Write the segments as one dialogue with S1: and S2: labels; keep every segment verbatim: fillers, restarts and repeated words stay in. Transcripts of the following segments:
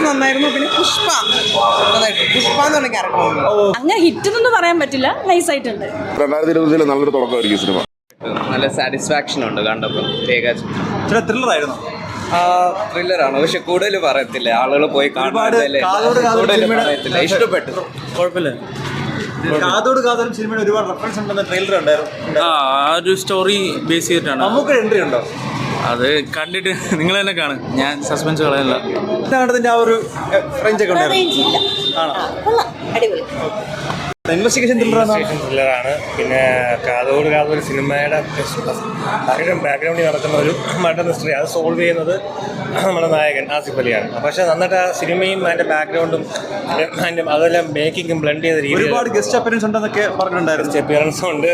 S1: നന്നായിരുന്നു. പിന്നെ പുഷ്പ പുഷ്പ എന്ന് പറഞ്ഞ ക്യാരക്ടർ
S2: അങ്ങനെ ഹിറ്റ് എന്നൊന്നും പറയാൻ പറ്റില്ല, നൈസ് ആയിട്ടുണ്ട്.
S3: രണ്ടായിരത്തി ഇരുപതിൽ നല്ലൊരു തുടക്കമായിരിക്കും സിനിമ.
S4: നല്ല സാറ്റിസ്ഫാക്ഷൻ ഉണ്ട് കണ്ടപ്പോൾ.
S5: ചില ത്രില്ലർ ആയിരുന്നു.
S4: ത്രില്ലറാണ്, പക്ഷെ കൂടുതൽ പറയത്തില്ല. ആളുകൾ പോയി കാണാൻ ഇഷ്ടപ്പെട്ടു.
S5: കുഴപ്പമില്ല. കാതോട് കാതോടും സിനിമയിൽ ഒരുപാട് റെഫറൻസ് ഉണ്ടെന്ന് ട്രെയിലർ ഉണ്ടായിരുന്നു.
S6: ആ ഒരു സ്റ്റോറി ബേസ് ചെയ്തിട്ടാണ്.
S5: നമുക്ക് എൻട്രി ഉണ്ടോ?
S6: അത് കണ്ടിട്ട് നിങ്ങൾ തന്നെ കാണും, ഞാൻ സസ്പെൻസ് കളയല്ല.
S5: ഇതിന്റെ ആ ഒരു റേഞ്ച് ഒക്കെ ഉണ്ടായിരുന്നു. ഇൻവെസ്റ്റിഗേഷൻ
S7: ത്രില്ലറാണ്. പിന്നെ കാതോട് കാതോട് സിനിമയുടെ ബാക്ക്ഗ്രൗണ്ടിൽ നടക്കുന്ന ഒരു മർഡർ മിസ്റ്ററി അത് സോൾവ് ചെയ്യുന്നത് നമ്മുടെ നായകൻ ആസിഫ് അലിയാണ്. പക്ഷേ നന്നായിട്ട് ആ സിനിമയും അതിൻ്റെ ബാക്ക്ഗ്രൗണ്ടും അതിൻ്റെ അതെല്ലാം മേക്കിങ്ങും ബ്ലെൻഡ് ചെയ്ത രീതി.
S5: ഒരുപാട് ഗസ്റ്റ് അപ്പിയറൻസ് ഉണ്ടെന്നൊക്കെ പറഞ്ഞിട്ടുണ്ടായിരുന്നു.
S7: ഗസ്റ്റ് അപ്പിയറൻസും ഉണ്ട്.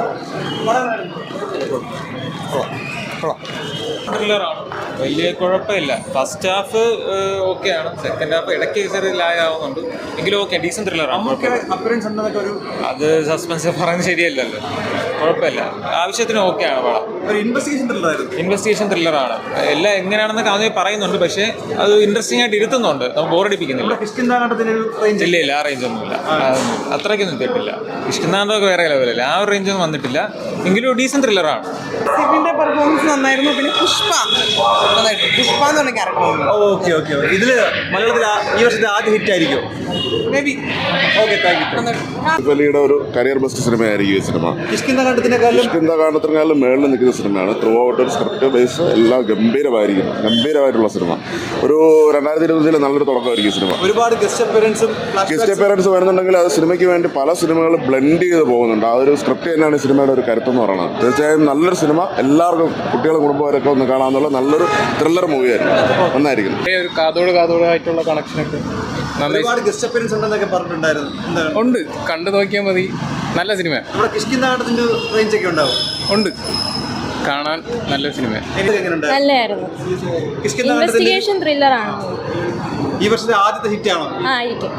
S6: ത്രില്ലറാണ്, വലിയ കുഴപ്പമില്ല. ഫസ്റ്റ് ഹാഫ് ഓക്കെയാണ്, സെക്കൻഡ് ഹാഫ് ഇടയ്ക്ക് ചെറിയ ലാഗ് ആവുന്നുണ്ട്, എങ്കിലും ഓക്കെ, ഡീസൻറ്റ് ത്രില്ലറാണ്.
S5: അപ്പിയറൻസ് ഉണ്ടെന്നൊക്കെ ഒരു
S6: അത് സസ്പെൻസ് പറയുന്നത് ശരിയല്ലല്ലോ, കുഴപ്പമില്ല, ആവശ്യത്തിന് ഓക്കെയാണ് പടം.
S5: ഒരു ഇൻവെസ്റ്റിഗേഷൻ ത്രില്ലറായിരുന്നു.
S6: ഇൻവെസ്റ്റിഗേഷൻ ത്രില്ലറാണ്. എല്ലാം എങ്ങനെയാണെന്നൊക്കെ ആദ്യം പറയുന്നുണ്ട്, പക്ഷേ അത് ഇൻട്രസ്റ്റിംഗ് ആയിട്ട് ഇരുത്തുന്നുണ്ട്, നമുക്ക് ബോറടിപ്പിക്കുന്നില്ല. ഇല്ല ഇല്ല ആ റേഞ്ച് ഒന്നുമില്ല, അത്രയ്ക്കൊന്നും എത്തിയിട്ടില്ല. ഇഷ്ടാണ്ടൊക്കെ വേറെ ലെവലല്ലേ, ആ ഒരു റേഞ്ചൊന്നും വന്നിട്ടില്ല, എങ്കിലും ഡീസൻറ്റ് ത്രില്ലറാണ്.
S1: സിബിന്റെ പെർഫോമൻസ് നന്നായിരുന്നു. പിന്നെ പുഷ്പ പുഷ്പ എന്ന് പറഞ്ഞ ക്യാരക്ടർ
S5: ഓക്കെ ഓക്കെ ഇതില് മലയാളത്തിൽ ഈ വർഷത്തെ ആദ്യ ഹിറ്റ് ആയിരിക്കും
S1: maybe.
S5: Okay, thank you.
S3: Asif അലിയുടെ ഒരു കരിയർ ബെസ്റ്റ് സിനിമയായിരിക്കും ഈ സിനിമ.
S5: കിഷ്കിന്ദാകാണ്ഡത്തിനെക്കാളും
S3: കിഷ്കിന്ദാകാണ്ഡത്തിനെക്കാളും മേളിൽ നിൽക്കുന്ന സിനിമയാണ്. ത്രൂ ഔട്ട് ഒരു സ്ക്രിപ്റ്റ് ബേസ് എല്ലാം ഗംഭീരമായിരിക്കും, ഗംഭീരമായിട്ടുള്ള സിനിമ. ഒരു രണ്ടായിരത്തി ഇരുപതിൽ നല്ലൊരു തുടക്കമായിരിക്കും സിനിമ.
S5: ഒരുപാട് ഗസ്റ്റ് അപ്പിയറൻസും
S3: ഗസ്റ്റ് അപ്പിയറൻസ് വരുന്നുണ്ടെങ്കിൽ അത് സിനിമയ്ക്ക് വേണ്ടി പല സിനിമകൾ ബ്ലെൻഡ് ചെയ്ത് പോകുന്നുണ്ട്. ആ ഒരു സ്ക്രിപ്റ്റ് തന്നെയാണ് സിനിമയുടെ ഒരു കരുത്തെന്ന് പറയുന്നത്. തീർച്ചയായും നല്ലൊരു സിനിമ, എല്ലാവർക്കും കുട്ടികളും കുടുംബക്കാരൊക്കെ ഒന്ന് കാണാമെന്നുള്ള നല്ലൊരു ത്രില്ലർ മൂവിയായിരുന്നു, നന്നായിരിക്കും.
S6: ഒരു കാതോട് കാതോടായിട്ടുള്ള കണക്ഷനൊക്കെ
S5: ഒരുപാട് ഗസ്റ്റ് അപ്പിയറൻസ് ഉണ്ടെന്നൊക്കെ പറഞ്ഞിട്ടുണ്ടായിരുന്നു. എന്താണ്?
S6: ഉണ്ട്, കണ്ടു നോക്കിയാൽ മതി, നല്ല സിനിമ.
S5: നമ്മുടെ കിഷ്കിന്ദാകാണ്ഡത്തിന്റെ റേഞ്ച് ഒക്കെ ഉണ്ടാവും.
S6: ഉണ്ട്, കാണാൻ നല്ല സിനിമ.
S2: നല്ലതായിരുന്നു. ഇൻവെസ്റ്റിഗേഷൻ ത്രില്ലറാണ്.
S5: ഈ വർഷത്തെ ആദ്യത്തെ ഹിറ്റ് ആണോ?
S2: ആ ആയിരിക്കും.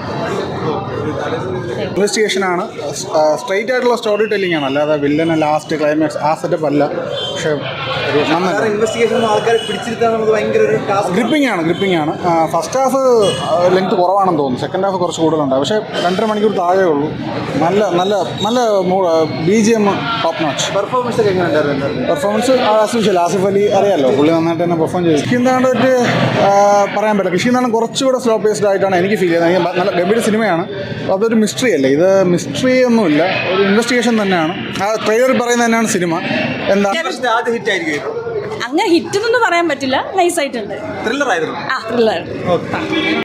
S8: ഇൻവെസ്റ്റിഗേഷൻ ആണ്, സ്ട്രൈറ്റ് ആയിട്ടുള്ള സ്റ്റോറി ടെല്ലിംഗ് ആണ്, അല്ലാതെ വില്ലൻ ലാസ്റ്റ് ക്ലൈമാക്സ് ആ സെറ്റപ്പ് അല്ല. പക്ഷേ ഒരു നന്നായി
S5: ഇൻവെസ്റ്റിഗേഷൻ ആൾക്കാരെ പിടിച്ചിരുത്താൻ നമുക്ക് ഭയങ്കര ഒരു
S8: ഗ്രിപ്പിംഗ് ആണ് ഗ്രിപ്പിംഗ് ആണ് ഫസ്റ്റ് ഹാഫ് ലെങ്ത് കുറവാണെന്ന് തോന്നുന്നു, സെക്കൻഡ് ഹാഫ് കുറച്ച് കൂടുതലുണ്ട്. പക്ഷേ രണ്ടര മണിക്കൂർ താഴെ ഉള്ളൂ. നല്ല നല്ല നല്ല B G M top notch.
S5: Performance ഒക്കെ എങ്ങനെ ഉണ്ടായിരുന്നു?
S8: പെർഫോമൻസ് ആസിഫ് ആസിഫ് അലി അറിയാമല്ലോ, പുള്ളി നന്നായിട്ട് തന്നെ പെർഫോം ചെയ്തു. കിഷ്കിന്ദാകാണ്ഡമായിട്ട് പറയാൻ പറ്റില്ല. കിഷ്കിന്ദാകാണ്ഡം കുറച്ചുകൂടെ സ്ലോ പേസ്ഡ് ആയിട്ടാണ് എനിക്ക് ഫീൽ ചെയ്യുന്നത്. നല്ല ഗംഭീര സിനിമയാണ്. അതൊരു മിസ്റ്ററി അല്ലേ, ഇത് മിസ്റ്ററി ഒന്നുമില്ല, ഒരു ഇൻവെസ്റ്റിഗേഷൻ തന്നെയാണ്. ആ ട്രെയിലർ പറയുന്നത് തന്നെയാണ് സിനിമ. എന്താ
S5: ആദ്യ ഹിറ്റ് ആയിരിക്കും.
S2: അങ്ങനെ ഹിറ്റ് എന്നൊന്നും പറയാൻ പറ്റില്ല, നൈസ് ആയിട്ടുണ്ട്.
S5: ത്രില്ലർ ആയിരുന്നു.
S2: ആ ത്രില്ലർ.